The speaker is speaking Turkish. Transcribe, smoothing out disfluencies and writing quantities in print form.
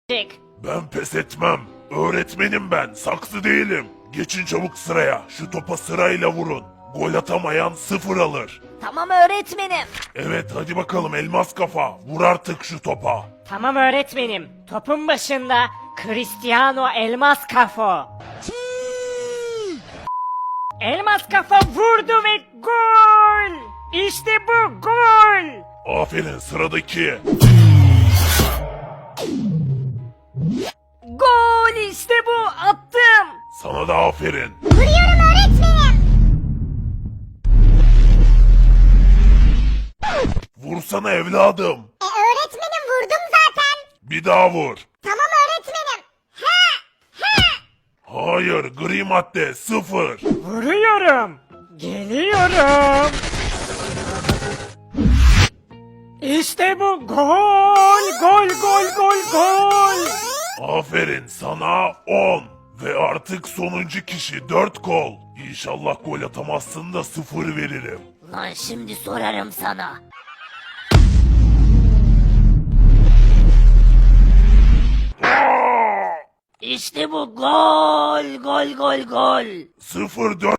Ben pes etmem. Öğretmenim ben, saksı değilim. Geçin çabuk sıraya. Şu topa sırayla vurun. Gol atamayan 0 alır. Tamam öğretmenim. Evet hadi bakalım elmas kafa. Vur artık şu topa. Tamam öğretmenim. Topun başında Cristiano Elmas Kafo. Elmas Kafa vurdu ve gol! İşte bu gol! Aferin sıradaki. Gol işte bu attım. Sana da aferin. Vuruyorum öğretmenim. Vursana evladım. Öğretmenim vurdum zaten. Bir daha vur. Tamam öğretmenim. Hayır gri madde 0. Vuruyorum. Geliyorum. İşte bu gol! Gol gol gol gol! Aferin sana 10. Ve artık sonuncu kişi 4 gol. İnşallah gol atamazsın da 0 veririm. Lan şimdi sorarım sana. İşte bu gol gol gol gol. 0-4